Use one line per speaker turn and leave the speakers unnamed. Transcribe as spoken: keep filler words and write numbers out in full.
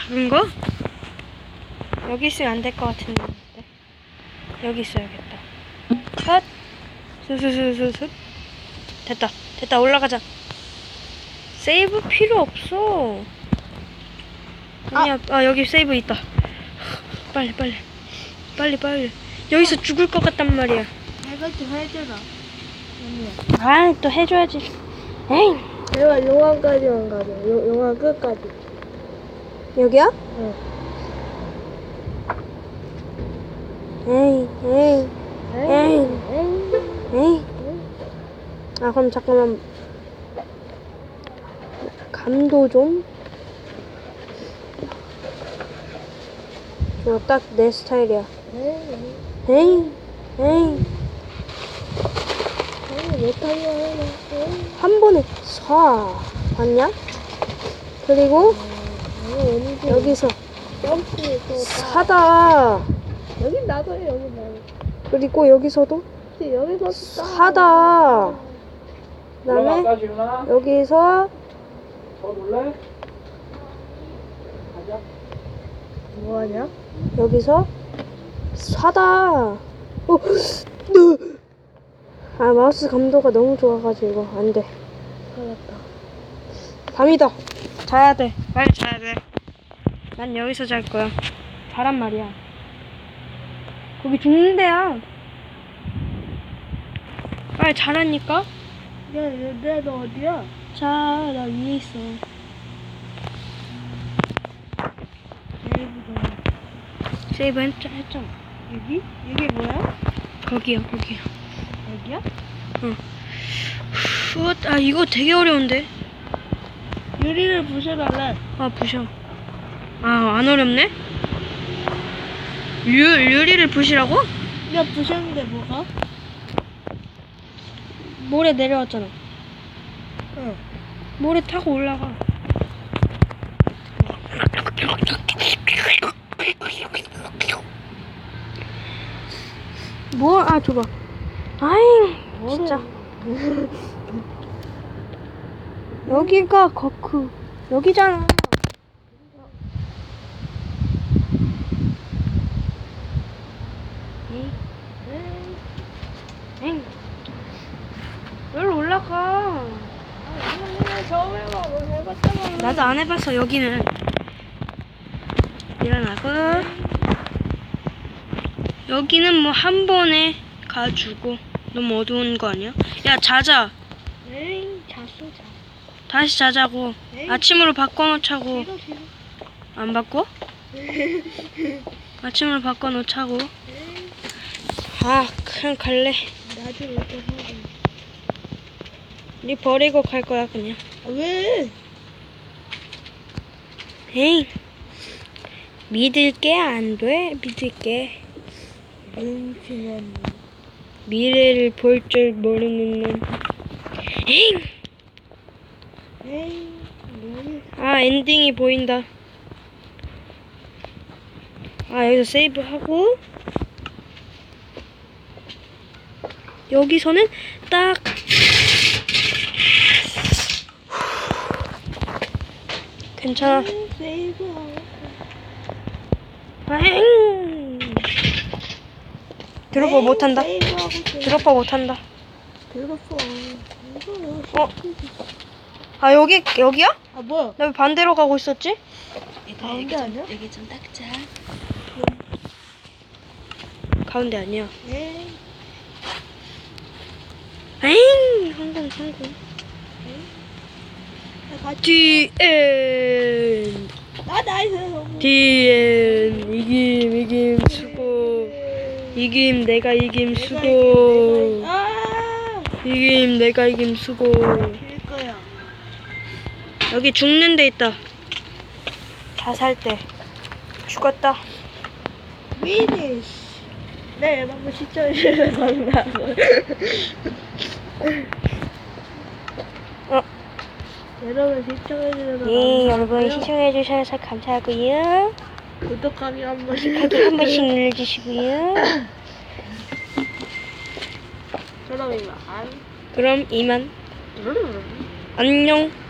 작은 거? 여기 있으면 안 될 것 같은데. 여기 있어야겠다. 헛! 슥슥슥슥슥. 됐다. 됐다. 올라가자. 세이브 필요 없어. 아니야. 아, 아 여기 세이브 있다. 빨리 빨리. 빨리 빨리. 여기서 죽을 것 같단 말이야.
내가 좀 해줘라.
아, 또 해줘야지. 에이.
내가 용암까지만 가자. 요, 용암 끝까지.
여기야?
응.
에이, 에이, 에이,
에이.
에이. 아, 그럼 잠깐만. 감도 좀. 이거 딱 내 스타일이야.
에이.
에이, 에이.
에이, 못하냐.
한 번에 쏴. 봤냐? 그리고
에이,
여기서
점프 또
사다.
여긴 나도 해, 여긴 나도.
그리고 여기서도
근데 여기서
사다. 그다음에
올라갈까,
여기서
더 놀래? 가자.
뭐하냐?
여기서 사다. 어, 으. 아 마우스 감도가 너무 좋아가지고 안 돼.
살았다.
밤이다. 자야 돼. 빨리 자야 돼. 난 여기서 잘 거야. 자란 말이야. 거기 죽는 데야. 빨리 자라니까.
야, 얘, 너 어디야?
자, 나 위에 있어.
내일부터.
세이브 했, 했잖아.
여기? 이게 뭐야?
거기야, 거기야.
여기야?
응. 후, 아 이거 되게 어려운데.
유리를 부셔달래.
아 부셔. 아 안 어렵네. 유 유리를 부시라고?
야, 부셨는데 뭐가?
모래 내려왔잖아.
응.
모래 타고 올라가. 뭐? 아 줘봐. 아잉 진짜. 여기가 거크 여기잖아. 에이, 엥. 여기로 올라가.
아, 처음 해봐. 뭐 해봤잖아.
나도 안 해봤어 여기는. 일어나고. 여기는 뭐 한 번에 가주고. 너무 어두운 거 아니야? 야 자자.
에이, 잤어, 자.
다시 자자고.
에이.
아침으로 바꿔놓자고.
싫어, 싫어.
안 바꿔? 아침으로 바꿔놓자고.
에이,
아 그냥 갈래.
나중에 이렇게 하고.
니 버리고 갈 거야 그냥.
아, 왜?
에이 믿을게 안 돼. 믿을게.
뭉치면.
미래를 볼 줄 모르는 놈. 에이
에이, 뭐.
아 엔딩이 보인다. 아 여기서 세이브 하고 여기서는 딱 괜찮아.
세이브.
아잉 드롭퍼 못한다.
세이브하고 있어.
드롭퍼 못한다.
들었어.
어? 아 여기 여기야?
아, 뭐야?
나 왜 반대로 가고 있었지?
가운데 아니야?
여기 좀 닦자. 가운데 아니야.
에이.
에잉 성공 성공.
디.
디엔
아, 나이스.
디엔 이김 이김 수고 이김 내가 이김
내가
수고
이긴, 내가 아,
이김 내가 이김 수고.
길 거야.
여기 죽는 데 있다. 자살 때 죽었다.
위니시. 네, 여러분 시청해주셔서 감사합니다.
어.
여러분 시청해주셔서
네 여러분
감사하고요.
시청해 주셔서 감사하고요.
구독하기 한 번씩
구독하기 한 번씩 눌러주시고요.
그럼 이만.
그럼 이만 안녕.